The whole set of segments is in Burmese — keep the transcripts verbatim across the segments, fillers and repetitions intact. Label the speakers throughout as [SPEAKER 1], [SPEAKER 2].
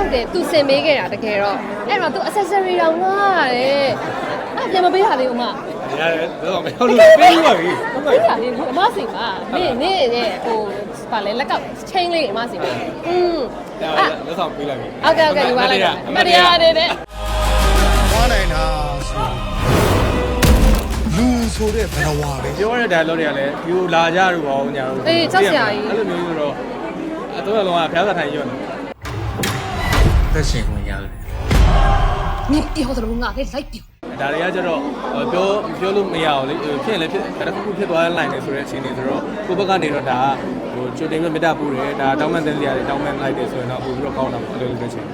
[SPEAKER 1] ဟုတ်တယ်သူစင်မေးခဲ့တာတကယ်တော့အဲ့တော့သူ accessory တောင်ငှားရတယ်အဲ့ပြန်မပေးရသေးဘူးမ
[SPEAKER 2] ရတယ်တော့မဟုတ်လို့ပေးပါပြီ
[SPEAKER 1] ပေးရသေးဘူးအမစီပါနေနေရဲ့ဟိုပါလေလက်ကောက် chain လေးအမစီပါอืม
[SPEAKER 2] အဲ့လက်ဆောင်ပေးလိုက်ပြီ
[SPEAKER 1] ဟုတ်ကဲ့ဟုတ်ကဲ့ယူပါလိုက်မတရားနေနဲ့
[SPEAKER 3] သွားနိုင်တာဆိုလူဆိုတဲ့ဘယ်ဝါပဲ
[SPEAKER 2] ပြောရတဲ့ dialogue တွေကလည်း view လာကြလို့ပေါ့ညာလို့
[SPEAKER 1] အေးချက်စရာကြီး
[SPEAKER 2] အဲ့လိုမျိုးဆိုတော့အတော့လုံးကဖျားစာထိုင်ရွတ်နေ
[SPEAKER 3] သက်ရှင်ခွင့်ရတယ်
[SPEAKER 1] 你以后怎么啊？给来丢。
[SPEAKER 2] ဒါတွေကကျတော့ပြောပြောလို့မရအောင်လေဖြစ်ရင်လည်းဖြစ်တစ်ခုခုဖြစ်သွားတဲ့ line တွေဆိုတဲ့အခြေအနေဆိုတော့ကိုယ့်ဘက်ကနေတော့ဒါဟိုကြိုတင်ပြီးမေတ္တာပို့တယ်ဒါတောင်းပန်တဲ့နေရာတွေတောင်းပန်လိုက်တယ်ဆိုရင်တော့ပို့ပြီးတော့ကောင်းတာပေါ့အဲ့လိုလိုပဲချင်း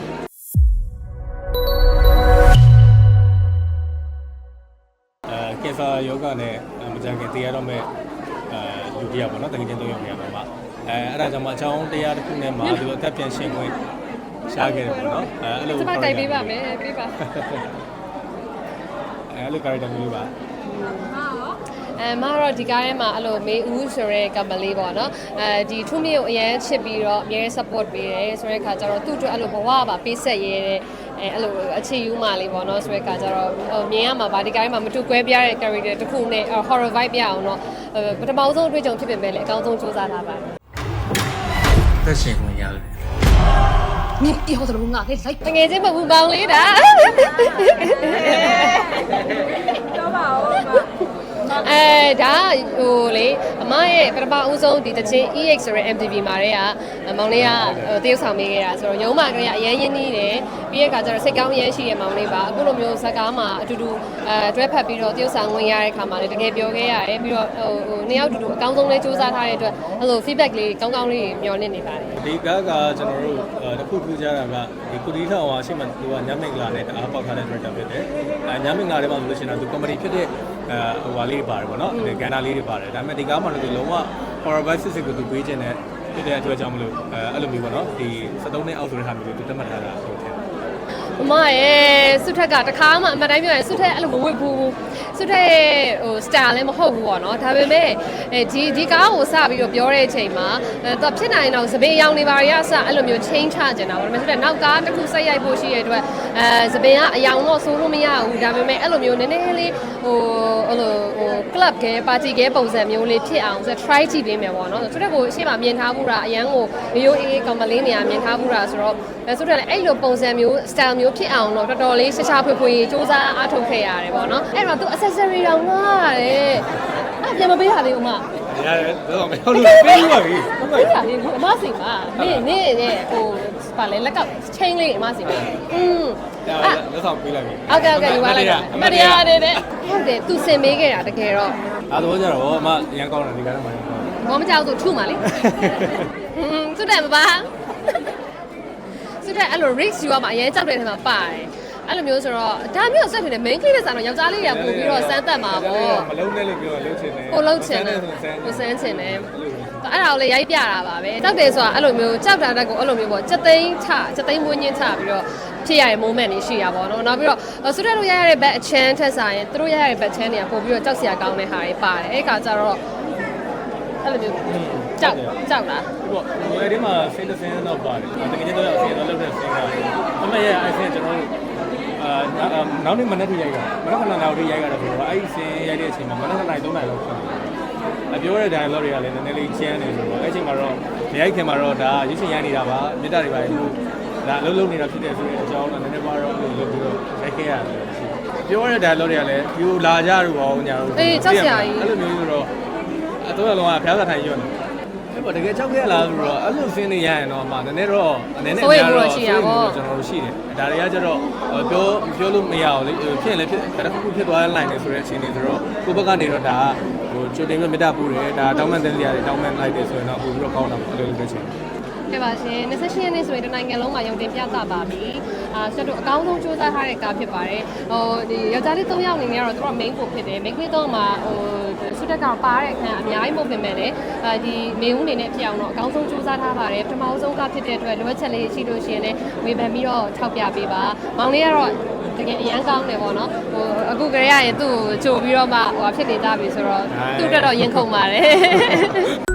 [SPEAKER 2] အဲကင်ဆာယောဂနဲ့မကြခင်တရားတော့မဲ့အဲလူတရားပေါ့နော်တကယ်ချင်းသုံးယောက်နေရာမှာအဲအဲ့ဒါကြောင့်မှအချောင်းတရားတစ်ခုနဲ့မှာဒီလိုအသက်ပြန်ရှင်ခွင့်ရှားခဲ့တယ်ပေါ့နော်အဲအဲ့လို
[SPEAKER 1] စပါတိုက်ပေးပါမယ်ပေးပါ
[SPEAKER 2] အဲ့လို character မျိုးပါ
[SPEAKER 1] အဲမကတော့ဒီကားထဲမှာအဲ့လိုမေဦးဆိုရဲကမလေးပေါ့နော်အဲဒီထုမြေကိုအရန်ချစ်ပြီးတော့အများ support ပေးတယ်ဆိုတဲ့ခါကျတော့သူ့အတွက်အဲ့လိုဘဝပါပေးဆက်ရဲတဲ့အဲအဲ့လိုအခြေယူမှလေးပေါ့နော်ဆိုတဲ့ခါကျတော့မြင်ရမှာဗာဒီကားထဲမှာမတူကွဲပြားတဲ့ character တစ်ခုနဲ့ horror vibe ပြအောင်တော့ပထမဆုံးအတွေ့အကြုံဖြစ်ပေမဲ့လည်းအကောင်းဆုံးစူးစမ်းထားပါတယ်
[SPEAKER 3] သက်ရှင်ခွင့်ရတယ်
[SPEAKER 1] 你以后怎么啊？给来，等眼睛不不帮你的。多吧，အဲဒါဟိုလေအမရဲ့ပထမဦးဆုံးဒီတချင်း E X ဆိုတဲ့ M T V မှာတည်းကမောင်လေးကတရုပ်ဆောင်ပေးခဲ့တာဆိုတော့ရုံးမှာကလေးကအရင်ရင်းနှီးတယ်ပြီးတဲ့အခါကျတော့စိတ်ကောင်းရမ်းရှိတဲ့မောင်လေးပါအခုလိုမျိုးဇာတ်ကားမှာအတူတူအဲတွဲဖက်ပြီးတော့တရုပ်ဆောင်ဝင်ရတဲ့အခါမှာလည်းတကယ်ပြောခဲ့ရတယ်ပြီးတော့ဟိုဟိုနှစ်ယောက်တူတူအကောင်းဆုံးလေးစူးစမ်းထားတဲ့အတွက်အဲ့လို feedback လေးကောင်းကောင်းလေးမျှော်လင့်နေပါတယ်
[SPEAKER 2] ဒီကားကကျွန်တော်တို့တစ်ခုထူးခြားတာကဒီကုတီထောင်ဟာရှိမှသူကညမင်္ဂလာနဲ့တအားပေါက်ထားတဲ့ director ဖြစ်တယ်အဲညမင်္ဂလာထဲမှာဆိုလို့ရှိရင်သူ comedy ဖြစ်တဲ့အဲဟိုဟာလေးပါတယ်ပေါ့နော်ကဏ္ဍလေးတွေပါတယ်ဒါပေမဲ့ဒီကားမှာလည်းလုံးဝ horror vibe စစ်စစ်ကိုသူပေးခြင်းနဲ့ဖြစ်တဲ့အတွက်ကြောင့်မလို့အဲအဲ့လိုမျိုးပေါ့နော်ဒီစက်သုံးနှစ်အောက်ဆိုတဲ့ဟာမျိုးကိုသူတတ်မှတ်ထားတာဟုတ်တယ်
[SPEAKER 1] အမရဲ့စုထက်ကတခါမှအမှတ်တိုင်းပြောရင်စုထက်အဲ့လိုမဝစ်ဘူးစုထက်ရဲ့ဟို style လည်းမဟုတ်ဘူးပေါ့နော်ဒါပေမဲ့အဲဒီဒီကားကိုစပြီးတော့ပြောတဲ့အချိန်မှာသူဖြစ်နိုင်တော့စပင်းရောင်နေပါရအစအဲ့လိုမျိုး change ချကျင်တာပေါ့ဒါပေမဲ့စုထက်နောက်ကားတစ်ခုဆက်ရိုက်ဖို့ရှိရတဲ့အတွက်အဲစပင်းကအယောင်တော့ဆိုးလို့မရဘူးဒါပေမဲ့အဲ့လိုမျိုးနည်းနည်းလေးဟိုအဲ့လိုဟို club က party ကပုံစံမျိုးလေးဖြစ်အောင်ဆို try ကြည့်ပေးမယ်ပေါ့နော်စုထက်ကိုအရှေ့မှာမြင်ထားဘူးတာအရန်ကိုရိုးရိုးအေးအေးကောင်မလေးနေရာမြင်ထားဘူးတာဆိုတော့စုထက်လည်းအဲ့လိုပုံစံမျိုး style မျိုးဖြစ်အောင်တော့တော်တော်လေးရှာရှာဖွေဖွေစူးစမ်းအားထုတ်ခဲ့ရတယ်ပေါ့နော်အဲ့တော့သူ accessory တောင်ငှားရတယ်အဲ့ပြန်မပေးရသေးဘူးမ
[SPEAKER 2] ရတယ်တော့မဟုတ်လို့ပေးပါပြီ
[SPEAKER 1] ပေးရသေးဘူးအမစီပါနေနေရဲ့ဟိုပါလေလက်ကောက် chain လေးအမစီပါอืม
[SPEAKER 2] အဲ့လက်ဆောင်ပေးလိုက်ပြီ
[SPEAKER 1] ဟုတ်ကဲ့ဟုတ်ကဲ့ယူပါလိုက်မတရားနေနဲ့ဟုတ်တယ်သူစင်မေးခဲ့တာတကယ်တော့
[SPEAKER 2] အဲ့တော့ကျတော့အမရန်ကောင်းတယ်ဒီကားထဲမှာ
[SPEAKER 1] ဘောမကြောက်သူထုမှာလေอืมသူတယ်မပါသူတဲ့အဲ့လို risk ယူရမှာအရင်ကြောက်တဲ့ထဲမှာပါတယ်အဲ့လိုမျိုးဆိုတော့ဒါမျိုးဆက်ဖြစ်နေ main clip နဲ့ဆိုတော့ယောက်ျားလေးတွေကပို့ပြီးတော့စမ်းသက်မှာပေါ့
[SPEAKER 2] မလုံးနဲ့လို့ပြောလှုပ်ချင်တယ်
[SPEAKER 1] ကိုလှုပ်ချင်တယ်ကိုစမ်းချင်တယ်အဲ့ဒါကိုလည်းရိုက်ပြတာပါပဲကြောက်တယ်ဆိုတာအဲ့လိုမျိုးကြောက်တာတက်ကိုအဲ့လိုမျိုးပေါ့စက်သိန်းချစက်သိန်းမွေးညင်းချပြီးတော့ဖြစ်ရတဲ့ moment တွေရှိရပါတော့နောက်ပြီးတော့ဆုတဲ့တို့ရိုက်ရတဲ့ back အချမ်းထက်ဆိုင်ရင်တို့ရိုက်ရတဲ့ back ချမ်းတွေကပို့ပြီးတော့ကြောက်စရာကောင်းတဲ့ဟာတွေပါတယ်အဲ့ခါကျတော့အဲ့လိုမျိုးကြောက်ကြောက်လား
[SPEAKER 2] ဟုတ်ဟိုအဲ့ဒီမှာဆင်းတဲ့ဆင်းတော့ပါတယ်တကယ်တော့ဆင်းတော့လုပ်တဲ့ဆင်းကအမရဲ့အဲ့ဆင်းကျွန်တော်တို့အာနောက်နေ့မနေ့ထိရိုက်တာမနေ့ကနောက်ထိရိုက်ကြတာဆိုတော့အဲ့ဒီဆင်းရိုက်တဲ့အချိန်မှာမနေ့ကနိုင်သုံးနိုင်လောက်ဖြစ်တယ်အပြောတဲ့ dialogue တွေကလည်းနည်းနည်းလေးချမ်းနေဆိုတော့အဲ့ချိန်မှာတော့ရိုက်ခင်မှာတော့ဒါရွှေရှင်ရိုက်နေတာပါမြတ်တာတွေပါလို့ဒါအလုပ်လုပ်နေတာဖြစ်တယ်ဆိုတဲ့အကြောင်းတော့နည်းနည်းပါတော့လုပ်ပြီးတော့ရိုက်ခဲ့ရတယ်ပြောတဲ့ dialogue တွေကလည်း view လာကြလို့ပေါ့ညာလို့
[SPEAKER 1] အေးချက်စရာကြီး
[SPEAKER 2] အဲ့လိုမျိုးဆိုတော့အတော့လုံးကဖျားစာထိုင်ရွတ်နေအဲ့ပေါ့တကယ်ကြောက်ခဲ့လားဆိုတော့အဲ့လိုဆင်းနေရရင်တော့မှနည်းနည်းတော့အနေနဲ့
[SPEAKER 1] များတော့ရှိတာပေါ့
[SPEAKER 2] ကျွန်တော်တို့ရှိတယ်ဒါတွေကကျတော့ပြောပြောလို့မရအောင်လေဖြစ်ရင်လည်းဖြစ်တစ်ခုခုဖြစ်သွားတဲ့ line တွေဆိုတဲ့အခြေအနေဆိုတော့ကိုယ့်ဘက်ကနေတော့ဒါဟိုကြိုတင်ပြီးမေတ္တာပို့တယ်ဒါတောင်းပန်တဲ့နေရာတွေတောင်းပန်လိုက်တယ်ဆိုရင်တော့ပို့ပြီးတော့ကောင်းတာပေါ့အဲ့လိုလိုပဲချင်း
[SPEAKER 1] ကဲပါရှင်၂၈ရက်နေ့ဆိုရင်တနိုင်ငံလုံးမှာရုံတင်ပြသပါပြီအာဆက်တို့အကောင်းဆုံးစူးစမ်းထားတဲ့ကားဖြစ်ပါတယ်ဟိုဒီယောက်ျားလေး၃ယောက်အနေနဲ့ကတော့သူတို့ main ကိုဖြစ်တယ် main ကတော့မှာဟိုဆုတက်ကပါတဲ့အခန်းအများကြီးမဟုတ်ပြင်မဲ့လည်းဒီမေဦးအနေနဲ့ဖြစ်အောင်တော့အကောင်းဆုံးစူးစမ်းထားပါတယ်ပထမဆုံးကားဖြစ်တဲ့အတွက်လိုအပ်ချက်လေးရှိလို့ရှိရင်လည်းဝေဖန်ပြီးတော့ထောက်ပြပေးပါမောင်လေးကတော့တကယ်အရန်ကောင်းတယ်ပေါ့နော်ဟိုအခုကလေးရရင်သူ့ကိုကြိုပြီးတော့မှဟိုဖြစ်နေကြပြီဆိုတော့သူ့အတွက်တော့ရင်ခုန်ပါတယ်